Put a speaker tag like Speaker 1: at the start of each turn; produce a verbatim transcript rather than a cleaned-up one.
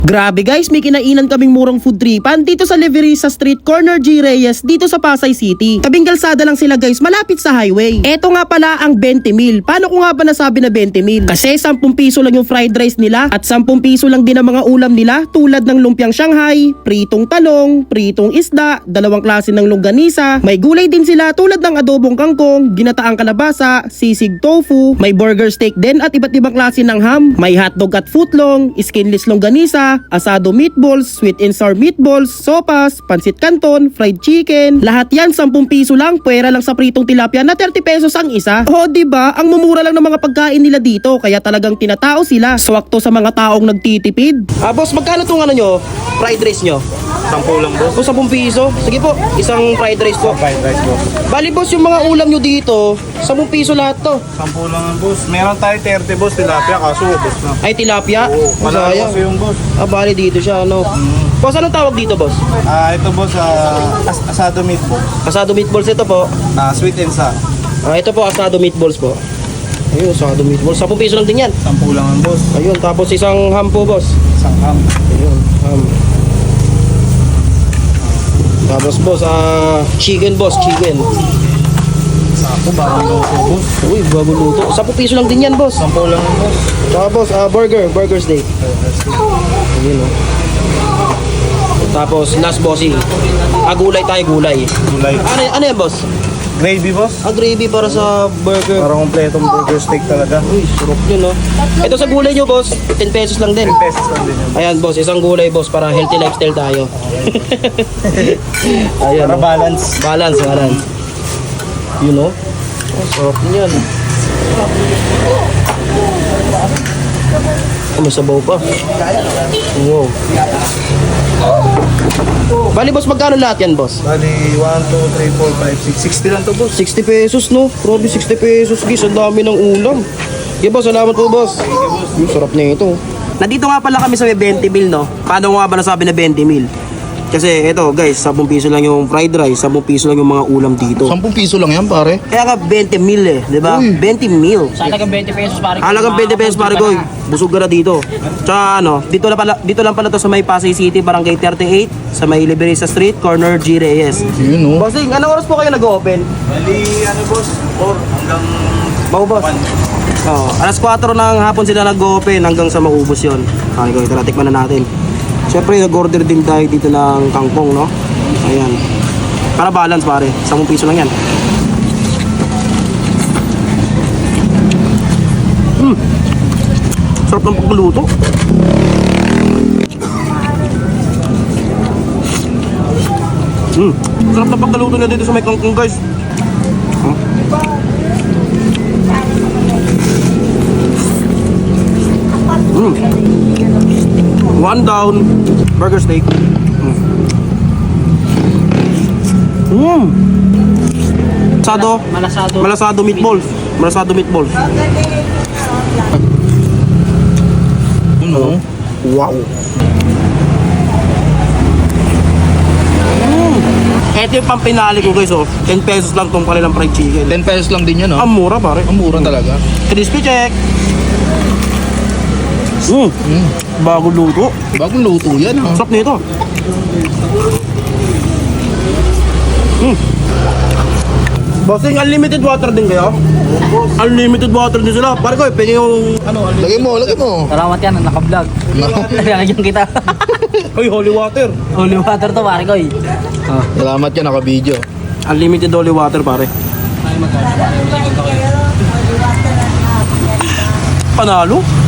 Speaker 1: Grabe guys, may kinainan kaming murang food tripan dito sa Leverisa Street, corner G. Reyes, dito sa Pasay City. Tabing kalsada lang sila guys, malapit sa highway. Eto nga pala ang twenty mil. Paano ko nga ba nasabi na twenty mil? Kasi ten piso lang yung fried rice nila at ten piso lang din ang mga ulam nila tulad ng lumpiang Shanghai, pritong talong, pritong isda, dalawang klase ng longganisa. May gulay din sila tulad ng adobong kangkong, ginataang kalabasa, sisig tofu, may burger steak din at iba't ibang klase ng ham. May hotdog at footlong, skinless longganisa, asado meatballs, sweet and sour meatballs, sopas, pansit canton, fried chicken. Lahat yan ten piso lang, pwera lang sa pritong tilapia na thirty pesos ang isa. O diba, ang mumura lang ng mga pagkain nila dito, kaya talagang tinatao sila. Swakto sa mga taong nagtitipid. Ah boss, magkano tong ano nyo? Fried rice nyo?
Speaker 2: Sampo lang boss.
Speaker 1: O ten piso? Sige po, isang fried rice po.
Speaker 2: Fried rice boss.
Speaker 1: Bali boss, yung mga ulam nyo dito, ten piso lahat to.
Speaker 2: Sampo lang ang boss. Meron tayo thirty boss, tilapia, kaso ubos na.
Speaker 1: Ay tilapia?
Speaker 2: Oo, malalo
Speaker 1: Masaya.
Speaker 2: kasi yung boss.
Speaker 1: Ah, bali dito siya, ano?
Speaker 2: Mm.
Speaker 1: Boss, anong tawag dito, boss?
Speaker 2: Ah, ito boss, ah, as asado meatballs.
Speaker 1: Asado meatballs ito po.
Speaker 2: Ah, sweet and sour.
Speaker 1: Ah, ito po, asado meatballs po. Ayun, asado meatballs. ten piso lang din yan.
Speaker 2: Sampo lang ang boss.
Speaker 1: Ayun, tapos isang ham po, boss.
Speaker 2: Isang ham.
Speaker 1: Ayun, ham. Tapos, boss, ah, chicken, boss, chicken.
Speaker 2: Sampo, bagong luto boss.
Speaker 1: Uy, bago luto. ten piso lang din yan, boss.
Speaker 2: Sampo lang ang boss.
Speaker 1: Tapos, ah, burger, burger steak. Ayun, oh. Tapos, last bossing. Ah, gulay tayo, gulay.
Speaker 2: Gulay.
Speaker 1: Ano, ano yan, boss?
Speaker 2: Gravy boss.
Speaker 1: Ah, gravy para sa burger.
Speaker 2: Parang kompletong burger steak talaga.
Speaker 1: Uy, sarap yun, no? Ito sa gulay nyo, boss, ten pesos lang din.
Speaker 2: ten pesos lang din yun.
Speaker 1: Ayan, boss, isang gulay, boss, para healthy lifestyle tayo. Ayan,
Speaker 2: Para
Speaker 1: no?
Speaker 2: balance.
Speaker 1: Balance, balance. You know? Oh, sarap niyan. Oh, may sabaw pa. Wow. Bali, boss, magkano lahat yan, boss?
Speaker 2: Bali, one, two, three, four, five, six. sixty lang to boss.
Speaker 1: sixty pesos, no? Grabe, sixty pesos, guys. Ang dami ng ulam. Okay, boss, salamat po, boss. Yung sarap na ito. Nandito nga pala kami sa may twenty mil, no? Paano nga ba nasabi na twenty mil? Kasi ito, guys, ten piso lang yung fried rice, ten piso lang yung mga ulam dito.
Speaker 3: ten piso lang yan, pare.
Speaker 1: Kaya ka twenty mil eh, di ba? twenty mil.
Speaker 4: Halagang twenty pesos pare.
Speaker 1: Halagang twenty pesos pare ko. Busog ka na dito. Tsaka ano, dito lang pala, dito lang pala to sa may Pasay City, Barangay thirty-eight, sa may Leverisa Street, corner G. Reyes.
Speaker 3: Yun, no?
Speaker 1: Bossing, anong oras po kayo nag-open?
Speaker 2: Bali, ano boss? four hanggang
Speaker 1: Maubos.
Speaker 2: one.
Speaker 1: Oh, alas kwatro ng hapon sila nag-open hanggang sa maubos yon. Okay, ko, tara, tikman na natin. Siyempre, nag-order din tayo dito ng kangkong, no? Ayan. Para balance, pare. ten piso lang yan. Hmm. Sarap ng pagluto. Hmm. Sarap ng pagluto na dito sa may kangkong, guys. Hmm. Mm. One down, burger steak. Mm. Mm. Malasado,
Speaker 4: Malasado.
Speaker 1: malasado meatballs. Malasado meatballs.
Speaker 3: Ano?
Speaker 1: Wow. Mm. Ito yung pampinali ko guys, oh. ten pesos lang tong kanilang fried chicken.
Speaker 3: ten pesos lang din yan,
Speaker 1: Ang
Speaker 3: oh.
Speaker 1: mura pare.
Speaker 3: Ang mura talaga.
Speaker 1: Crispy check. Mm.
Speaker 3: Mm.
Speaker 1: Bago luto.
Speaker 3: Bagong luto yan, oh.
Speaker 1: Sarap nito. Mm. Bossing, unlimited water din kayo? Unlimited water din sila. Pare ko, pengen yung ano,
Speaker 3: Lagay mo, lagay mo.
Speaker 4: Salamat yan, naka-vlog. Lalagyan kita.
Speaker 1: Hoy, holy water.
Speaker 4: Holy water to pare ko eh. Oh.
Speaker 3: Salamat yan, naka-video.
Speaker 1: Unlimited holy water, pare. Panalo?